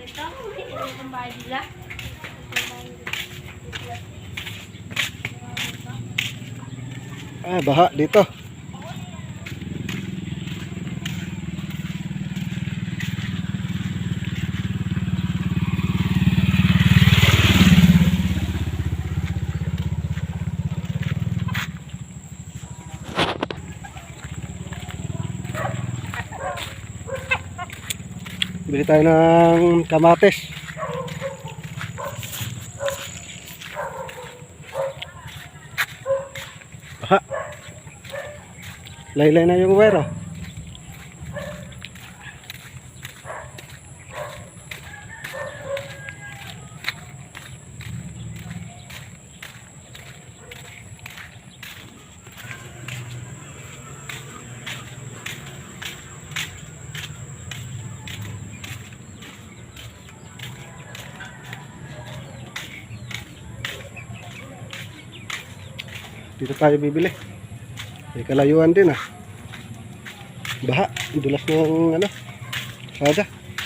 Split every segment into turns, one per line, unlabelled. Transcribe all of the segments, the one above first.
nito. Ang bahay nila.
Ah, baha dito. Bili tayo ng kamatis. Aha. Laylay na yung wire. Dito tayo bibili. May kalayuan din ah. Baha, dulas ng ano, sada.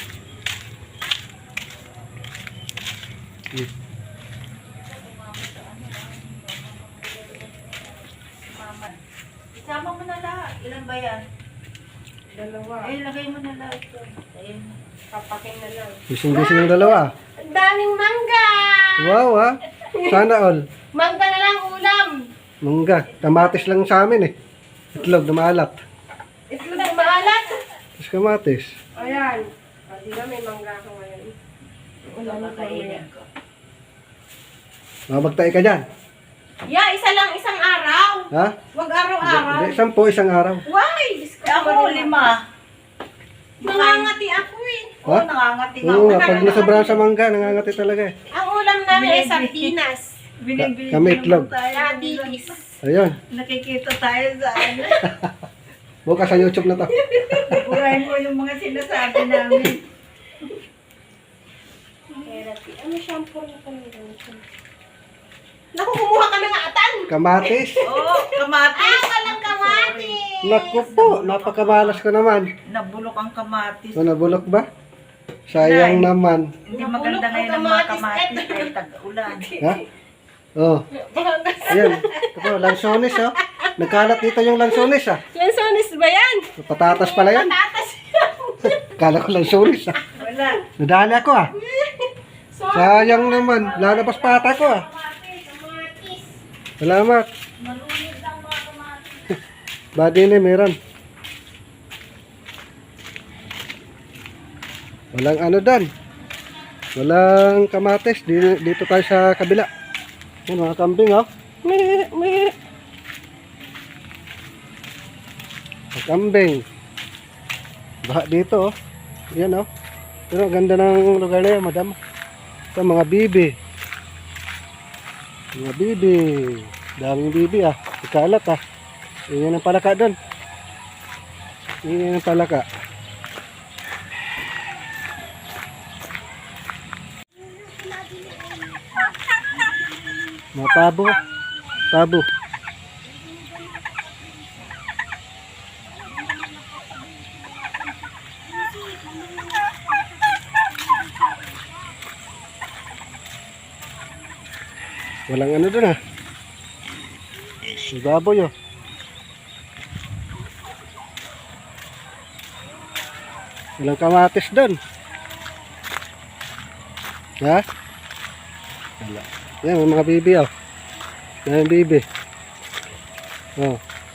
Isama mo na lahat. Ilan ba yan?
Dalawa.
Ay, lagay mo na lahat. Ayun.
Papakin na lang.
Bising-bising yung dalawa.
Ang daming mangga!
Wow ah. Sana all.
Mangga na lang ulam!
Mangga. Kamatis lang sa amin eh. Itlog na maalat.
Itlog na maalat!
Tapos kamatis.
Ayan. Hindi na may mangga ako ngayon. Ulam na
Kakainin ko.
Mamagtay ka dyan.
Yeah, isa lang isang araw.
Ha?
Huwag araw-araw.
Hindi, 10 isang araw.
Why?
Ako, 5.
Nangangati ako eh.
Oo, nangangati nga
Oo
ako.
nga, pag nasobrahan sa mangga, nangangati talaga eh.
Ang ulam namin ay sardinas.
Binibili
Kami itlog.
Raditis.
Ayun.
Nakikita tayo sa ano.
Bukas sa YouTube na to.
Burahin mo yung mga sinasabi namin.
Therapy. Ano shampoo na kanila? Naku, kumuha ka ng atan.
Kamatis.
Oo, kamatis.
Walang kamati.
Naku po, napakamalas ko naman.
Nabulok ang kamatis.
O, nabulok ba? Sayang naman.
Hindi maganda ngayon ang mga kamatis dahil tag-ulan.
Ha? Oh. Ayan. Ito, lansones oh. Nagkalat dito yung lansones ah.
Lansones ba yan?
Patatas pala yan.
Patatas.
Kala ko lansones ah.
Wala.
Nadali ako ah. Sayang naman. Lalabas pata ko ah.
Kamatis.
Salamat.
Malunod lang mga kamatis.
Badi na meron. Walang ano dan. Walang kamatis. Dito tayo sa kabila. Yan mga kambing oh. Mga kambing. Baha dito oh. Yan oh. Pero ganda ng lugar na yan madam. Ito mga bibi. Mga bibi. Daming bibi ah. Ikalat ah. Yan ang palaka doon. Yan ang palaka. Mga pabo. Pabo. Walang ano doon ah. May baboy oh. Walang kamatis doon. Ha? Wala. Yan, may mga bibi oh. Yan ang bibi. Oh.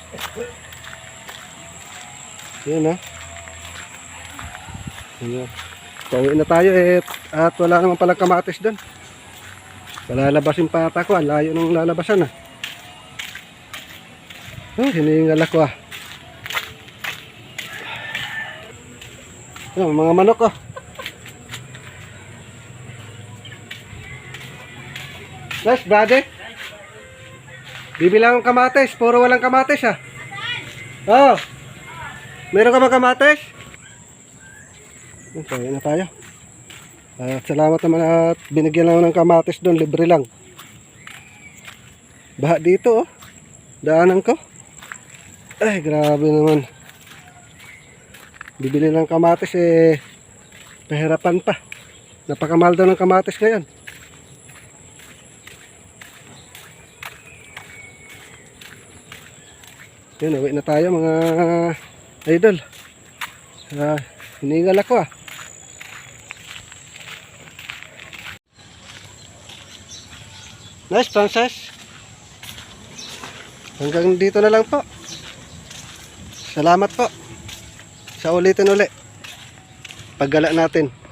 Yan oh. Yan. Pauwi na tayo eh. At wala naman palang kamatis doon. Palalabasin pa ata ko. Ang layo nung lalabasan ah. Oh, hiningal ako ah. Yan, mga manok oh. Nice, brother. Bibilang kamatis. Puro walang kamatis ah. Oh. Meron ka ba kamatis? Okay, na tayo. Salamat naman at binigyan lang ng kamatis doon. Libre lang. Baha dito oh. Daanan ko. Ay, grabe naman. Bibili ng kamatis eh. Pahirapan pa. Napakamahal daw ng kamatis ngayon. Yun, uwi na tayo mga idol. Hiningal ako ah. Nice, Frances. Hanggang dito na lang po. Salamat po. Sa ulitin uli. Paggala natin.